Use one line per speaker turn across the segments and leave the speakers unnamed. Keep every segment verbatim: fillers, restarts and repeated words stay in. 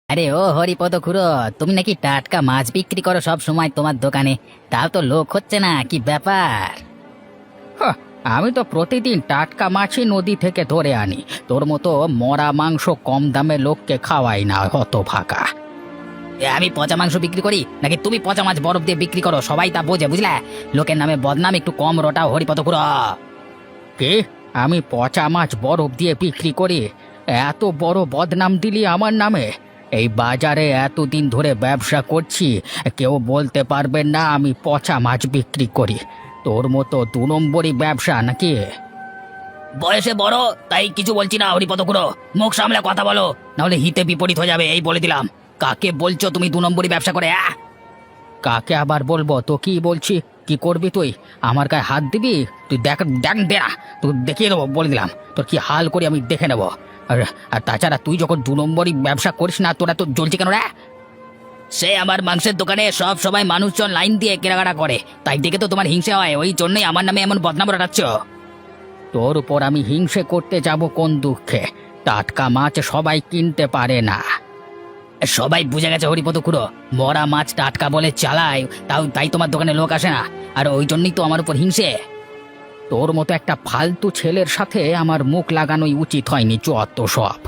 আরে ও হরিপদ খুড়ো, তুমি নাকি টাটকা মাছ বিক্রি করো সব সময় তোমার দোকানে? তাও তো লোক হচ্ছে না, কি ব্যাপার? হাহ, আমি তো প্রতিদিন টাটকা মাছই নদী থেকে ধরে আনি। তোর মতো মরা মাংস কম দামে লোককে খাওয়াই না, হত ভাগা। আমি পচা মাংস বিক্রি করি নাকি তুমি পচা মাছ বরফ দিয়ে বিক্রি করো? সবাই তা বোঝে, বুঝলে? লোকের নামে বদনাম একটু কম রটাও হরিপদ খুড়ো। কে? আমি পচা মাছ বরফ দিয়ে বিক্রি করি? এত বড় বদনাম দিলি আমার নামে? এই বাজারে এতদিন ধরে ব্যবসা করছি, কেউ বলতে পারবে না আমি পচা মাছ বিক্রি করি? তোর মতো দু নম্বরই ব্যবসা নাকি? বয়সে বড় তাই কিছু বলছি না হরিপদ খুড়ো, মুখ সামলে কথা বলো, নাহলে হিতে বিপরীত হয়ে যাবে, এই বলে দিলাম। কাকে বলছো তুমি দু নম্বরই ব্যবসা করে? আহ কাকে আবার বলবো? তো কি বলছি? কি করবি তুই? আমার গায়ে হাত দিবি? তুই দেখ, দেখ দে না, তুই দেখিয়ে দেবো, বলে দিলাম। তোর কি হাল করি আমি দেখে নেবো। আর আর তাছাড়া তুই যখন দু নম্বরই ব্যবসা করিস না, তোরা তো জ্বলছে কেন রে? সে আমার মাংসের দোকানে সব সময় মানুষজন লাইন দিয়ে কেনাকাটা করে, তাই দেখে তো তোমার হিংসে হয়, ওই জন্যই আমার নামে এমন বদনাম রটাচ্ছ। তোর উপর আমি হিংসে করতে যাব কোন দুঃখে? টাটকা মাছ সবাই কিনতে পারে না। সবাই বুঝে গেছে হরিপদ খুড়ো, মরা মাছ টাটকা বলে চালায়, তাও তাই তোমার দোকানে লোক আসে না, আর ওই জন্যই তো আমার উপর হিংসে। তোর মতো একটা ফালতু ছেলের সাথে আমার মুখ লাগানোই উচিত হয়নি, যত সব।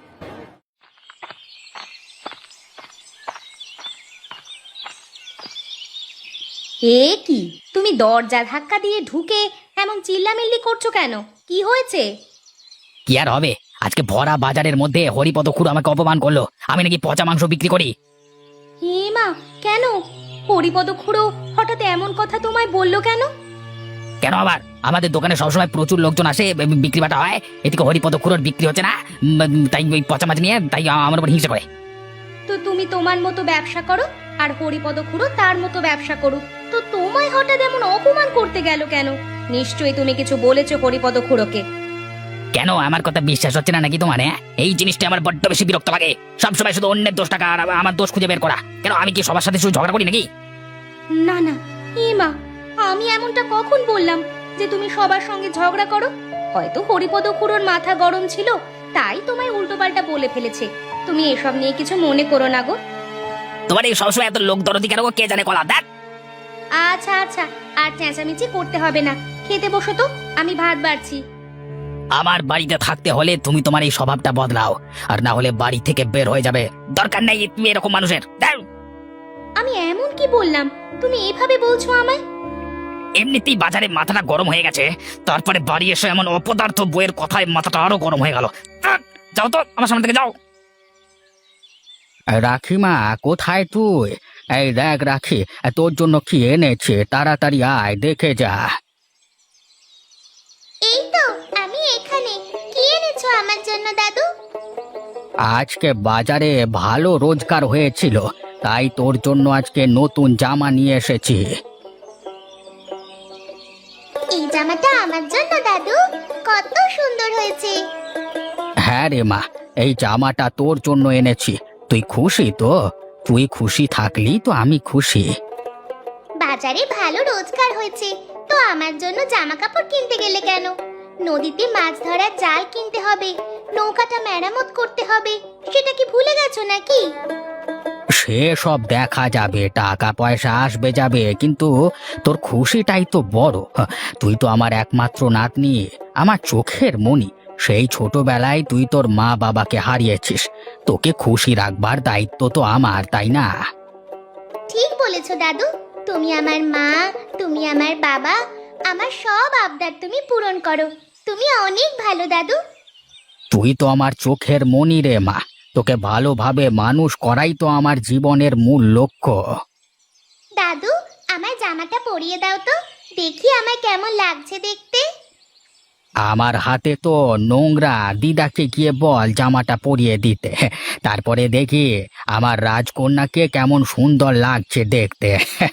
এ কি, তুমি দরজা ধাক্কা দিয়ে ঢুকে এমন চিল্লামিল্লি করছো কেন? কি হয়েছে?
কি আর হবে, আজকে ভরা বাজারের মধ্যে হরিপদ খুড়ো আমাকে অপমান করলো, আমি নাকি পচা মাংস বিক্রি করি।
হে মা, কেন? হরিপদ খুড়ো হঠাৎ এমন কথা তোমায় বললো কেন?
কেন আবার? আমাদের দোকানে সবসময় প্রচুর লোকজন আসে, বি- বিক্রি বাটা হয়, এদিকে হরিপদ খুড়োর বিক্রি হচ্ছে না, উম, তাই ওই পচা মাছ নিয়ে তাই আমার উপর হিংসা করে।
তো তুমি তোমার মতো ব্যবসা করো, আর হরিপদ খুড়ো তার মতো ব্যবসা করুক, তো তোমায় হঠাৎ এমন অপমান করতে গেল কেন? নিশ্চয়ই তুমি কিছু বলেছো হরিপদ খুড়োকে।
কেন আমার কথা বিশ্বাস হচ্ছে না নাকি তোমার? হ্যাঁ, এই জিনিসটা আমার বড্ড বেশি বিরক্ত লাগে, সবসময় শুধু অন্যের দোষ টাকা আর আমার দোষ খুঁজে বের করা। কেন, আমি কি সবার সাথে শুধু ঝগড়া করি নাকি?
না না, হে মা, আমি এমনটা কখন বললাম যে তুমি সবার সঙ্গে ঝগড়া করো? হয়তো হরিপদ খুড়োর মাথা গরম ছিল, তাই তোমায় উল্টোপাল্টা বলে ফেলেছে। তুমি এসব নিয়ে কিছু মনে করো না গো।
তোমার এই সবসময় এত লোক দরদি কেন গো? কে জানে কলা দেখ।
আচ্ছা আচ্ছা, আর চেঁচামেচি করতে হবে না, খেতে বসো তো, আমি ভাত বাড়ছি।
আমার বাড়িতে থাকতে হলে তুমি তোমার এই স্বভাবটা বদলাও, আর না হলে বাড়ি থেকে বের হয়ে যাবে। দরকার নেই তুমি এরকম মানুষের। দাও।
আমি এমন কি বললাম তুমি এভাবে বলছো আমায়?
এমনিতেই বাজারে মাথাটা গরম হয়ে গেছে, তারপরে বাড়ি এসে এমন অপদার্থ বইয়ের কথায় মাথাটা আরো গরম হয়ে গেল। আহ! যাও তো আমার সামনে থেকে যাও। রাখিমা, কোথায় তুই? এই দেখ রাখি, তোর জন্য কি এনেছে, তাড়াতাড়ি আয় দেখে যা।
এই তো আমি এখানে। কি এনেছো আমার জন্য দাদু?
আজকে বাজারে ভালো রোজগার হয়েছিল, তাই তোর জন্য আজকে নতুন জামা নিয়ে এসেছি।
এই জামাটা আমার জন্য দাদু? কত সুন্দর হয়েছে।
হ্যাঁ রে মা, এই জামাটা তোর জন্য এনেছি। তুই খুশি তো? তুই খুশি থাকলি তো আমি খুশি।
বাজারে ভালো রোজগার হয়েছে, তো আমার জন্য জামা কাপড় কিনতে গেলে কেন? নদীতে মাছ ধরার জাল কিনতে হবে, নৌকাটা মেরামত করতে হবে, সেটা কি ভুলে গেছো নাকি?
সে সব দেখা যাবে, টাকা পয়সা আসবে যাবে, কিন্তু তোর খুশিটাই তো বড়। হ্যাঁ, তুই তো আমার একমাত্র নাতনি, আমার চোখের মণি। সেই ছোটবেলায় তুই তোর মা বাবাকে হারিয়েছিস, তোকে খুশি রাখবার দায়িত্ব তো আমার, তাই না?
ঠিক বলেছো দাদু, তুমি আমার মা, তুমি আমার বাবা, আমার সব আবদার তুমি পূরণ করো। তুমি অনেক ভালো দাদু।
তুই তো আমার চোখের মণি রে মা, তোকে ভালোভাবে মানুষ করাই তো আমার জীবনের মূল লক্ষ্য।
দাদু, আমার জামাটা পরিয়ে দাও তো, দেখি আমায় কেমন লাগছে দেখতে।
আমার হাতে তো নোংরা, দিদাকে গিয়ে বল জামাটা পরিয়ে দিতে, তারপরে দেখি আমার রাজকন্যাকে কেমন সুন্দর লাগছে দেখতে।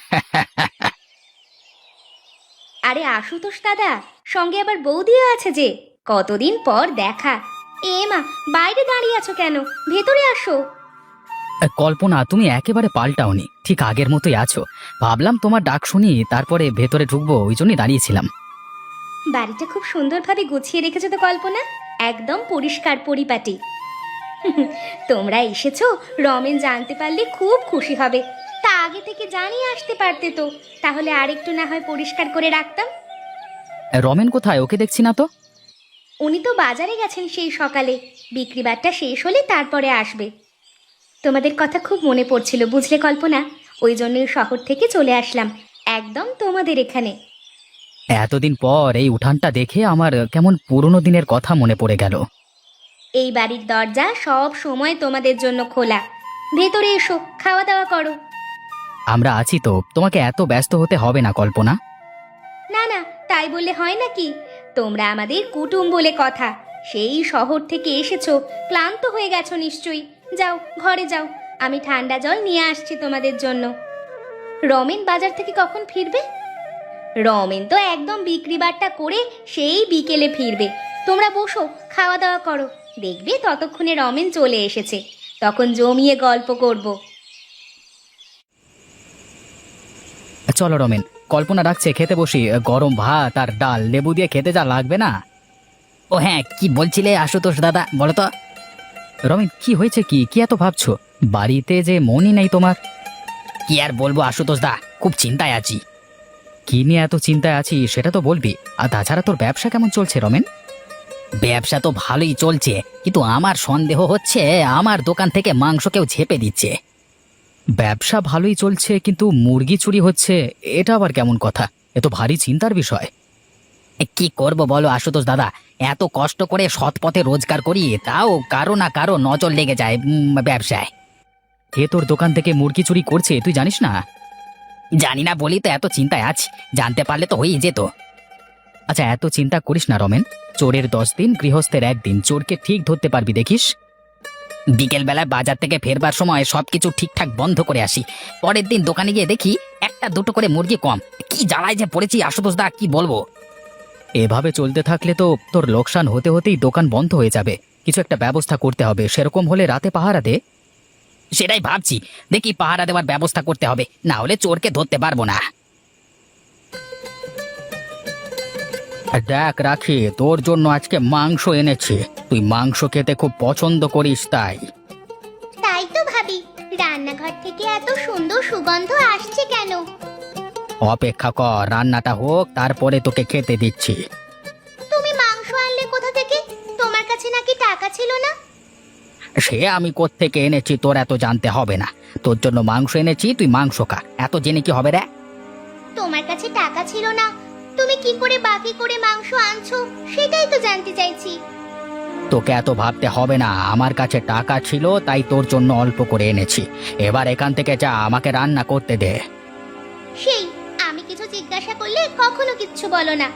আরে আশুতোষ দাদা, সঙ্গে আবার বৌদিও আছে যে, কতদিন পর দেখা। এ মা, বাইরে দাঁড়িয়ে আছো কেন? ভেতরে আসো।
কল্পনা, তুমি একেবারে পাল্টাওনি, ঠিক আগের মতোই আছো। ভাবলাম তোমার ডাক শুনি, তারপরে ভেতরে ঢুকবো, ওই জন্যই দাঁড়িয়েছিলাম।
বাড়িটা খুব সুন্দরভাবে গুছিয়ে রেখেছো তো কল্পনা, একদম পরিষ্কার পরিপাটি। তোমরা এসেছো, রমেন জানতে পারলে খুব খুশি হবে। তা আগে থেকে জানিয়ে আসতে পারতে তো, তাহলে আরেকটু না হয় পরিষ্কার করে রাখতাম।
রমেন কোথায়? ওকে দেখছি না তো।
উনি তো বাজারে গেছেন সেই সকালে, বিক্রিবারটা শেষ হলে তারপরে আসবে। তোমাদের কথা খুব মনে পড়ছিল বুঝলে কল্পনা, ওই জন্যই শহর থেকে চলে আসলাম একদম তোমাদের এখানে।
এতদিন পর এই উঠানটা দেখে আমার কেমন পুরনো দিনের কথা মনে পড়ে গেল।
এই বাড়ির দরজা সব সময় তোমাদের জন্য খোলা। ভেতরে এসো, খাওয়া দাওয়া করো।
আমরা আছি তো, তোমাকে এত ব্যস্ত হতে হবে না কল্পনা।
না না, তাই বললে হয় নাকি? তোমরা আমাদের কুটুম বলে কথা। সেই শহর থেকে এসেছো, ক্লান্ত হয়ে গেছো নিশ্চয়ই। যাও ঘরে যাও, আমি ঠান্ডা জল নিয়ে আসছি তোমাদের জন্য। রমেন বাজার থেকে কখন ফিরবে? রমেন তো একদম বিক্রিবারটা করে সেই বিকেলে ফিরবে। তোমরা বসো, খাওয়া দাওয়া করো, দেখবে ততক্ষণে রমেন চলে এসেছে। তখন জমিয়ে গল্প করব।
চলো রমেন, কল্পনা ডাকছে, খেতে বসি। গরম ভাত আর ডাল লেবু দিয়ে খেতে যা লাগবে না। ও হ্যাঁ, কি বলছিলে আশুতোষ দাদা, বলো তো। রমেন, কি হয়েছে? কি কি এত ভাবছো? বাড়িতে যে মনই নেই তোমার। কি আর বলবো আশুতোষ দা, খুব চিন্তায় আছি। কি নিয়ে এত চিন্তায় আছি সেটা তো বলবি। আর তাছাড়া তোর ব্যবসা কেমন চলছে রমেন? ব্যবসা তো ভালোই চলছে, কিন্তু আমার সন্দেহ হচ্ছে আমার দোকান থেকে মাংস কেউ ঝেপে দিচ্ছে। ব্যবসা ভালোই চলছে, কিন্তু মুরগি চুরি হচ্ছে, এটা আবার কেমন কথা? এ তো ভারী চিন্তার বিষয়। কি করব বলো আশুতোষ দাদা, এত কষ্ট করে সৎ পথে রোজগার করি, তাও কারো না কারো নজর লেগে যায় উম, ব্যবসায়। কে তোর দোকান থেকে মুরগি চুরি করছে তুই জানিস না? জানি না বলি তো এত চিন্তায় আছি, জানতে পারলে তো হয়েই যেত। আচ্ছা, এত চিন্তা করিস না রমেন। চোরের দশ দিন, গৃহস্থের একদিন। চোরকে ঠিক ধরতে পারবি দেখিস। বিকেল বেলায় বাজার থেকে ফেরবার সময় সবকিছু ঠিকঠাক বন্ধ করে আসি। পরের দিন দোকানে গিয়ে দেখি একটা দুটো করে মুরগি কম। কি জ্বালায় যে পড়েছি আশুতোষ দা, কি বলবো। এভাবে চলতে থাকলে তো তোর লোকসান হতে হতেই দোকান বন্ধ হয়ে যাবে। কিছু একটা ব্যবস্থা করতে হবে, সেরকম হলে রাতে পাহারা দে। সেটাই ভাবছি, দেখি পাহারা দেওয়ার ব্যবস্থা করতে হবে, না হলে চোরকে ধরতে পারবো না। দেখ রাখি, তোর জন্য আজকে মাংস এনেছি। তুই মাংস খেতে খুব পছন্দ করিস তাই।
তাই তো ভাবি, রান্নাঘর থেকে এত সুন্দর সুগন্ধ আসছে কেন?
অপেক্ষা কর, রান্নাটা হোক, তারপরে তোকে খেতে দিচ্ছি।
তুমি মাংস আনলে কোথা থেকে? তোমার কাছে নাকি টাকা ছিল না?
সে আমি কোত্থেকে এনেছি তোর এত জানতে হবে না। তোর জন্য মাংস এনেছি, তুই মাংস খা, এত জেনে কি হবে রে?
তোমার কাছে টাকা ছিল না, তুমি কি করে বাকি করে মাংস আনছো সেটাই তো জানতে চাইছি।
তোকে এত ভাবতে হবে না, আমার কাছে টাকা ছিল তাই তোর জন্য অল্প করে এনেছি। এবার এখান থেকে যা, আমাকে রান্না করতে দে।
সেই আমি কিছু জিজ্ঞাসা করলে কখনো কিচ্ছু বলো না।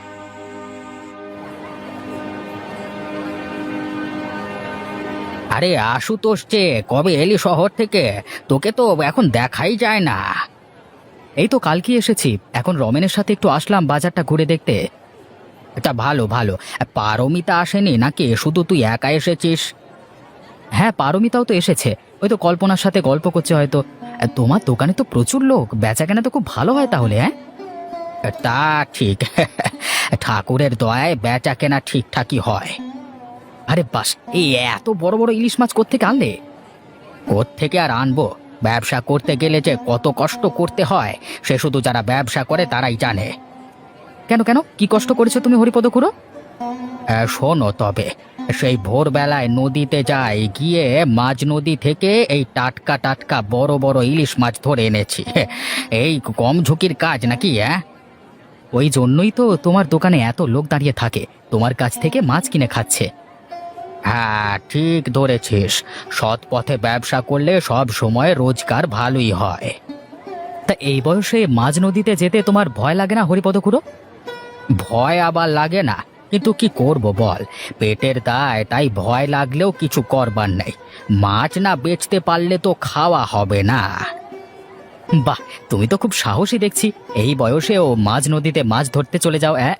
আরে আশুতোষ, যে কবে এলি শহর থেকে? তোকে তো এখন দেখাই যায় না। এই তো কালকে এসেছি, এখন রমেনের সাথে একটু আসলাম বাজারটা ঘুরে দেখতে। এটা ভালো ভালো। পারমিতা আসেনি নাকি? শুধু তুই একা এসেছিস? হ্যাঁ, পারমিতাও তো এসেছে, ওই তো কল্পনার সাথে গল্প করছে হয়তো। তোমার দোকানে তো প্রচুর লোক, বেচাকেনা তো খুব ভালো হয় তাহলে। হ্যাঁ তা ঠিক, ঠাকুরের দয়ায় বেচা কেনা ঠিকঠাকই হয়। আরে বাস, এই এত বড় বড় ইলিশ মাছ কোত্থেকে আনলে? কোত্থেকে আর আনবো, ব্যবসা করতে গেলে যে কত কষ্ট করতে হয় সে শুধু যারা ব্যবসা করে তারাই জানে। কেন কেন কি কষ্ট করেছো তুমি হরিপদ খুড়ো? শোনো তবে, সেই ভোরবেলায় নদীতে যাই, গিয়ে মাঝ নদী থেকে এই টাটকা টাটকা বড় বড় ইলিশ মাছ ধরে এনেছি। এই কম ঝুঁকির কাজ নাকি? হ্যাঁ, ওই জন্যই তো তোমার দোকানে এত লোক দাঁড়িয়ে থাকে, তোমার কাছ থেকে মাছ কিনে খাচ্ছে। হ্যাঁ ঠিক ধরেছিস, সৎ পথে ব্যবসা করলে সব সময় রোজগার ভালোই হয়। তা এই বয়সে মাঝ নদীতে যেতে তোমার ভয় লাগে না হরিপদ খুড়ো? ভয় আবার লাগে না, কিন্তু কি করব বল, পেটের দায়, তাই ভয় লাগলেও কিছু করবার নেই। মাছ না বেচতে পারলে তো খাওয়া হবে না। বাহ, তুমি তো খুব সাহসী দেখছি, এই বয়সেও মাঝ নদীতে মাছ ধরতে চলে যাও। হ্যাঁ,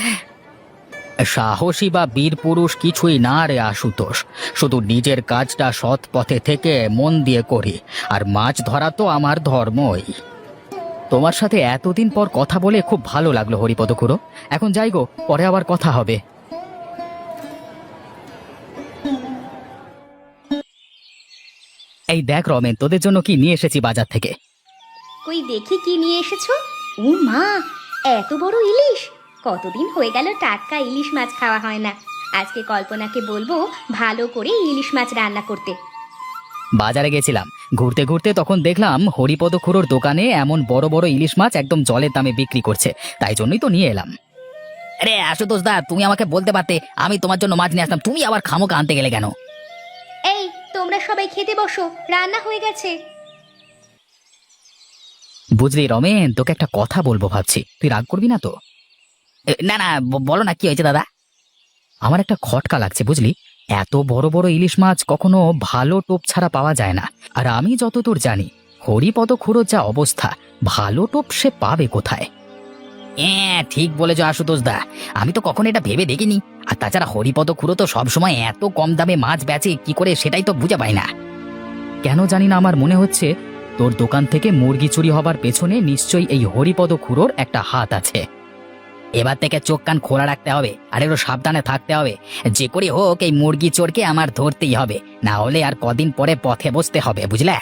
সাহসী বা বীর পুরুষ কিছুই না রে আশুতোষ, শুধু নিজের কাজটা সৎ পথে থেকে মন দিয়ে করি, আর মাছ ধরা তো আমার ধর্মই। তোমার সাথে এতদিন পর কথা বলে খুব ভালো লাগলো হরিপদ খুড়ো। এখন যাই গো, পরে আবার কথা হবে। এই দেখ রমেন, তোদের জন্য কি নিয়ে এসেছি বাজার থেকে।
কই দেখি কি নিয়ে এসেছো। ও মা, এত বড় ইলিশ! কতদিন হয়ে গেল টাটকা ইলিশ মাছ খাওয়া হয় না। আজকে কল্পনাকে বলবো ভালো করে ইলিশ মাছ রান্না করতে।
বাজারে গেছিলাম, ঘুরতে ঘুরতে তখন দেখলাম হরিপদ খুড়োর দোকানে এমন বড় বড় ইলিশ মাছ একদম জলের দামে বিক্রি করছে, তাই জন্যই তো নিয়ে এলাম। আরে আশুতোষ দা, তুমি আমাকে বলতে পারতে, আমি তোমার জন্য মাছ নিয়ে আসলাম, তুমি আবার খামোকা আনতে গেলে কেন?
এই, তোমরা সবাই খেতে বসো, রান্না হয়ে গেছে।
বুঝলি রমেন, তোকে একটা কথা বলবো ভাবছি, তুই রাগ করবি না তো? এ, না না, ব- বলো না, কি হয়েছে দাদা? আমার একটা খটকা লাগছে বুঝলি, এত বড় বড় ইলিশ মাছ কখনো ভালো টোপ ছাড়া পাওয়া যায় না। আর আমি যতদূর জানি হরিপদ খুড়োর যা অবস্থা, ভালো টোপ সে পাবে কোথায়? হ্যাঁ ঠিক বলেছ আশুতোষ দা, আমি তো কখনো এটা ভেবে দেখিনি। আর তাছাড়া হরিপদ খুড়ো তো সবসময় এত কম দামে মাছ বেচে কি করে, সেটাই তো বুঝে পাই না। কেন জানি না, আমার মনে হচ্ছে তোর দোকান থেকে মুরগি চুরি হবার পেছনে নিশ্চয়ই এই হরিপদ খুড়োর একটা হাত আছে। এবার থেকে চোখ কান খোলা রাখতে হবে, আর একটু সাবধানে থাকতে হবে। যে করে হোক এই মুরগি চোরকে আমার ধরতেই হবে, না হলে আর কদিন পরে পথে বসতে হবে, বুঝলে?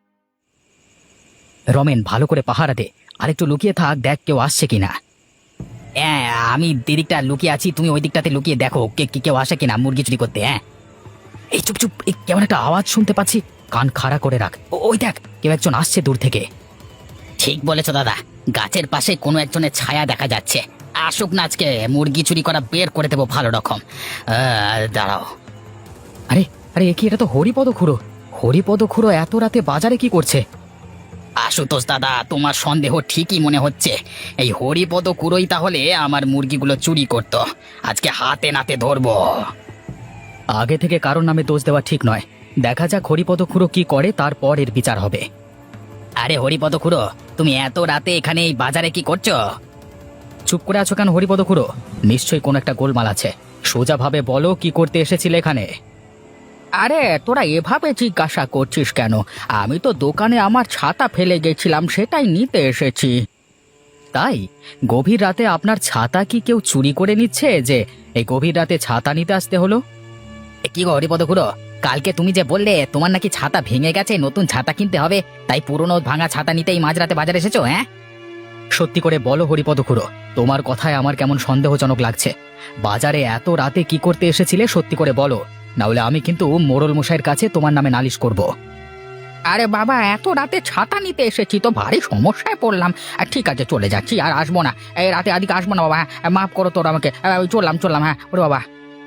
রমেন, ভালো করে পাহারা দে, আর একটু লুকিয়ে থাক, দেখ কেউ আসছে কিনা। হ্যাঁ, আমি দিদিকটা লুকিয়ে আছি, তুমি ওই দিকটাতে লুকিয়ে দেখো কে কে- কেউ আসে কিনা মুরগি চুরি করতে। হ্যাঁ, এই চুপ চুপ, এই কেমন একটা আওয়াজ শুনতে পাচ্ছি, কান খাড়া করে রাখ। ও- ওই দেখ, কেউ একজন আসছে দূর থেকে। ঠিক বলেছ দাদা, গাছের পাশে কোনো একজনের ছায়া দেখা যাচ্ছে। আসুক না, আজকে মুরগি চুরি করা বের করে দেবো ভালো রকম। আহ, দাঁড়াও। আরে আরে, এ কি, এটা তো হরিপদ খুড়ো। হরিপদ খুড়ো এত রাতে বাজারে কি করছে? আশুতোষ দাদা, তোমার সন্দেহ ঠিকই মনে হচ্ছে। এই হরিপদ খুড়োই তাহলে আমার মুরগিগুলো চুরি করতো। আজকে হাতে নাতে ধরবো। আগে থেকে কারোর নামে দোষ দেওয়া ঠিক নয়, দেখা যাক হরিপদ খুড়ো কি করে, তারপর এর বিচার হবে। আরে হরিপদ খুড়ো, তুমি এত রাতে এখানে এই বাজারে কি করছো? চুপ করে আছো কেন হরিপদ খুড়ো? নিশ্চয়ই কোনো একটা গোলমাল আছে, সোজা ভাবে বলো কি করতে এসেছিলে এখানে? আরে তোরা এভাবে জিজ্ঞাসা করছিস কেন? আমি তো দোকানে আমার ছাতা ফেলে গেছিলাম, সেটাই নিতে এসেছি। তাই? গভীর রাতে আপনার ছাতা কি কেউ চুরি করে নিচ্ছে যে এই গভীর রাতে ছাতা নিতে আসতে হলো? এ কি গো হরিপদ খুড়ো, কালকে তুমি যে বললে তোমার নাকি ছাতা ভেঙে গেছে, নতুন ছাতা কিনতে হবে, তাই পুরনো ভাঙা ছাতা নিতেই মাঝরাতে বাজারে এসেছো? হ্যাঁ, সত্যি করে বলো হরিপদ খুড়ো, তোমার কথায় আমার কেমন সন্দেহজনক লাগছে। বাজারে এত রাতে কি করতে এসেছিলে সত্যি করে বলো, না হলে আমি কিন্তু মোড়ল মশাইয়ের কাছে তোমার নামে নালিশ করব। আরে বাবা, এত রাতে ছাতা নিতে এসেছি তো ভারী সমস্যায় পড়লাম। আর ঠিক আছে, চলে যাচ্ছি, আর আসবো না, এই রাতে আদিকে আসবো না বাবা। হ্যাঁ, মাফ করো তোর আমাকে, আহ, ওই চললাম চললাম। হ্যাঁ ওরে বাবা।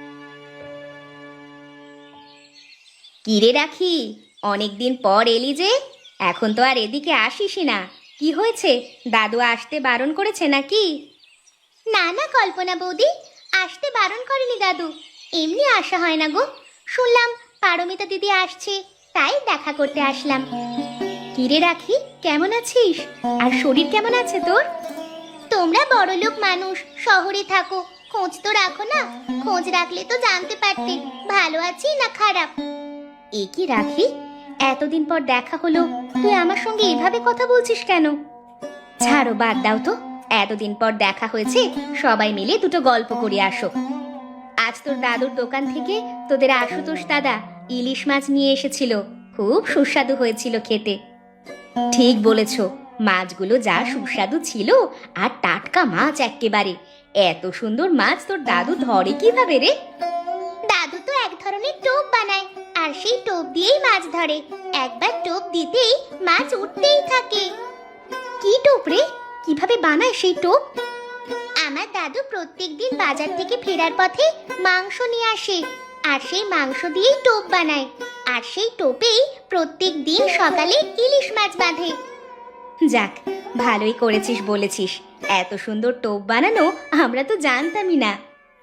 কিরে রাখি, অনেকদিন পর এলি যে, এখন তো আর এদিকে আসিসই না। কি হয়েছে, দাদু আসতে বারণ করেছে নাকি? না না কল্পনা বৌদি, আসতে বারণ করেনি দাদু, এমনি আসা হয় না গো। শুনলাম পারমিতা দিদি আসছে, তাই দেখা করতে আসলাম। কিরে রাখি, কেমন আছিস? আর শরীর কেমন আছে তোর? তোমরা বড়লোক মানুষ, শহরে থাকো, খোঁজ তো রাখো না। খোঁজ রাখলে তো জানতে পারতে ভালো আছি না খারাপ। এ কি রাখি, এতদিন পর দেখা হলো, তুই আমার সঙ্গে এভাবে কথা বলছিস কেন? ছাড়ো, বাদ দাও তো। এতদিন পর দেখা হয়েছে, সবাই মিলে দুটো গল্প করে আসো। আজ তোর দাদুর দোকান থেকে তোদের আশুতোষ দাদা ইলিশ মাছ নিয়ে এসেছিল, খুব সুস্বাদু হয়েছিল খেতে। ঠিক বলেছ, মাছগুলো যা সুস্বাদু ছিল, আর টাটকা মাছ এক্কেবারে। এত সুন্দর মাছ তোর দাদু ধরে কিভাবে রে? দাদু তো এক ধরনের টোপ বানায়, আর সেই টোপ দিয়েই মাছ ধরে। একবার টোপ দিতেই মাছ উঠতেই থাকে। কি টোপ রে? কিভাবে বানায় সেই টোপ? আমার দাদু প্রত্যেকদিন বাজার থেকে ফেরার পথে মাংস নিয়ে আসে, আর সেই মাংস দিয়েই টোপ বানায়। আর সেই টোপেই প্রত্যেক দিন সকালে ইলিশ মাছ বাঁধে। যাক, ভালোই করেছিস বলেছিস, এত সুন্দর টোপ বানানো আমরা তো জানতামই না।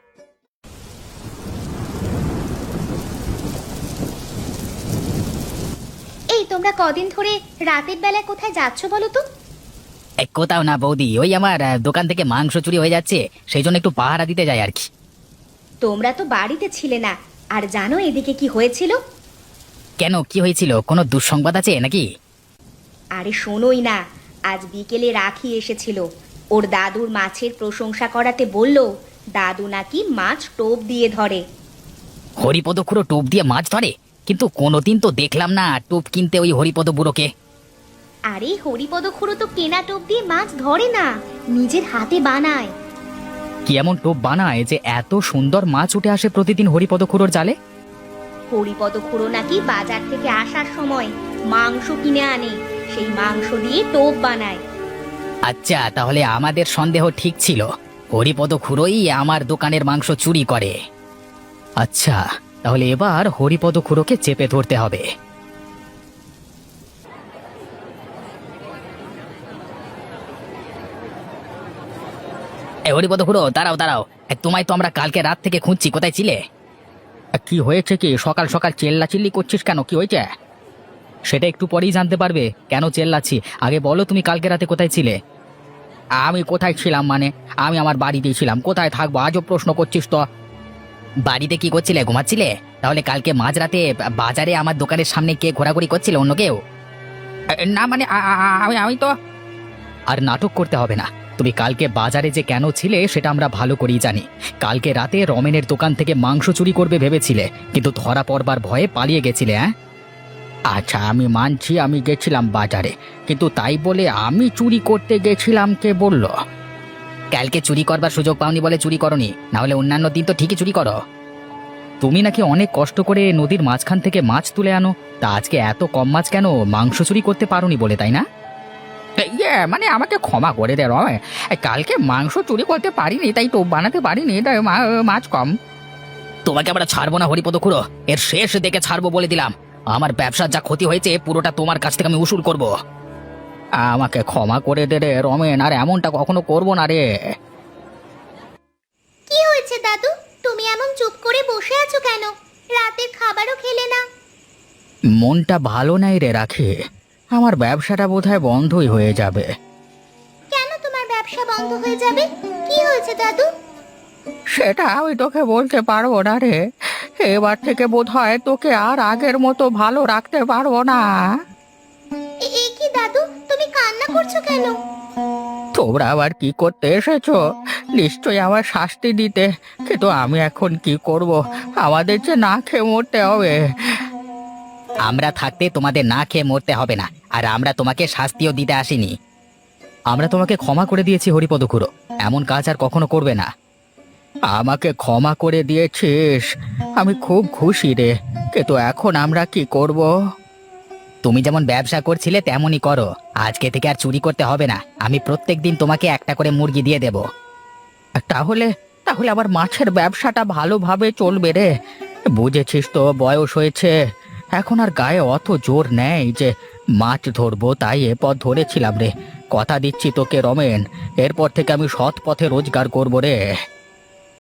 এই, তোমরা কদিন ধরে রাতের বেলায় কোথায় যাচ্ছ বলো তো?
এ, কোথাও না বৌদি, ওই আমার আহ, দোকান থেকে মাংস চুরি হয়ে যাচ্ছে, সেই জন্য একটু পাহারা দিতে যাই আর কি।
তোমরা তো বাড়িতে ছিলে না, আর জানো এদিকে কি হয়েছিল?
কেন, কি হয়েছিল? কোনো দুঃসংবাদ আছে নাকি?
আরে শোনোই না, আজ বিকেলে রাখি এসেছিল, ওর দাদুর মাছের প্রশংসা করাতে বলল দাদু নাকি মাছ টোপ দিয়ে ধরে।
হরিপদ খুড়ো টোপ দিয়ে মাছ ধরে? কিন্তু কোনোদিন তো দেখলাম না টোপ কিনতে ওই হরিপদ বুড়োকে।
আরে হরিপদ খুড়ো তো কেনা টোপ দিয়ে মাছ ধরে না, নিজের হাতে বানায়।
কি এমন টোপ বানায় যে এত সুন্দর মাছ উঠে আসে প্রতিদিন হরিপদ খুড়োর জালে?
হরিপদ খুড়ো নাকি বাজার থেকে আসার সময় মাংস কিনে আনে, সেই মাংস দিয়ে টোপ বানায়।
আচ্ছা, তাহলে আমাদের সন্দেহ ঠিক ছিল, হরিপদ খুড়োই আমার দোকানের মাংস চুরি করে। আচ্ছা, তাহলে এবার হরিপদ খুড়োকে চেপে ধরতে হবে। এ হরিপদ খুড়ো, দাঁড়াও দাঁড়াও, এ, তোমায় তো আমরা কালকে রাত থেকে খুঁজছি, কোথায় ছিলে? কি হয়েছে কি, সকাল সকাল চেল্লা চিল্লি করছিস কেন, কি হয়েছে? সেটা একটু পরেই জানতে পারবে কেন চেল্লাচ্ছি, আগে বলো তুমি কালকে রাতে কোথায় ছিলে? আমি কোথায় ছিলাম মানে, আমি আমার বাড়িতেই ছিলাম, কোথায় থাকবো, আজও প্রশ্ন করছিস তো। বাড়িতে কি করছিলে, ঘুমাচ্ছিলে? তাহলে কালকে মাঝরাতে বাজারে আমার দোকানের সামনে কে ঘোরাঘুরি করছিল, অন্য কেউ? না মানে আ- আ- আ- আমি আমি তো। আর নাটক করতে হবে না, তুমি কালকে বাজারে যে কেন ছিলে সেটা আমরা ভালো করেই জানি। কালকে রাতে রমেনের দোকান থেকে মাংস চুরি করবে ভেবেছিলে, কিন্তু ধরা পড়বার ভয়ে পালিয়ে গেছিলে। হ্যাঁ, আচ্ছা আমি মানছি আমি গেছিলাম বাজারে, কিন্তু তাই বলে আমি চুরি করতে গেছিলাম কে বলল? কালকে চুরি করবার সুযোগ পাওনি বলে চুরি করনি, না হলে অন্যান্য দিন তো ঠিকই চুরি করো। তুমি নাকি অনেক কষ্ট করে নদীর মাঝখান থেকে মাছ তুলে আনো, তা আজকে এত কম মাছ কেন, মাংস চুরি করতে পারোনি বলে, তাই না? ইয়ে মানে আমাকে ক্ষমা করে দে রয়, কালকে মাংস চুরি করতে পারিনি, তাই টোপ বানাতে পারিনি, তাই মা- মাছ কম। তোমাকে আমরা ছাড়বো না হরিপদ খুড়ো, এর শেষ দেখে ছাড়বো বলে দিলাম। আমার ব্যবসার যা ক্ষতি হয়েছে পুরোটা তোমার কাছ থেকে আমি উসুল করব। আমাকে ক্ষমা করে দে রে রমেন, আর এমনটা কখনো করবো না রে।
কি হয়েছে দাদু, তুমি এমন চুপ করে বসে আছো কেন? রাতের খাবারও খেলে না?
মনটা ভালো নাই রে রাখি, আমার ব্যবসাটা বোধহয় বন্ধই হয়ে যাবে।
কেন তোমার ব্যবসা বন্ধ হয়ে যাবে? কি হয়েছে দাদু?
সেটা আমি তোকে বলতে পারবো না রে, এবার থেকে বোধহয় তোকে আর আগের মতো ভালো রাখতে পারবো না।
এ এ কি দাদু, তুমি কান্না করছো কেন?
তোমরা আবার কি করতে এসেছো? নিশ্চয়ই আমার শাস্তি দিতে, কিন্তু আমি এখন কি করব, আমাদের যে না খেয়ে মরতে হবে। আমরা থাকতে তোমাদের না খেয়ে মরতে হবে না, আর আমরা তোমাকে শাস্তিও দিতে আসিনি। আমরা তোমাকে ক্ষমা করে দিয়েছি হরিপদ খুড়ো, এমন কাজ আর কখনো করবে না। আমাকে ক্ষমা করে দিয়েছিস, আমি খুব খুশি রে, কিন্তু এখন আমরা কি করব? তুমি যেমন ব্যবসা করছিলে তেমনই করো, আজকে থেকে আর চুরি করতে হবে না, আমি প্রত্যেকদিন তোমাকে একটা করে মুরগি দিয়ে দেব। তাহলে তাহলে আবার মাছের ব্যবসাটা ভালোভাবে চলবে রে। বুঝেছিস তো, বয়স হয়েছে, এখন আর গায়ে অত জোর নেই যে মাছ ধরবো, তাই এ পথ ধরেছিলাম রে। কথা দিচ্ছি তোকে রমেন, এরপর থেকে আমি সৎ পথে রোজগার করবো রে।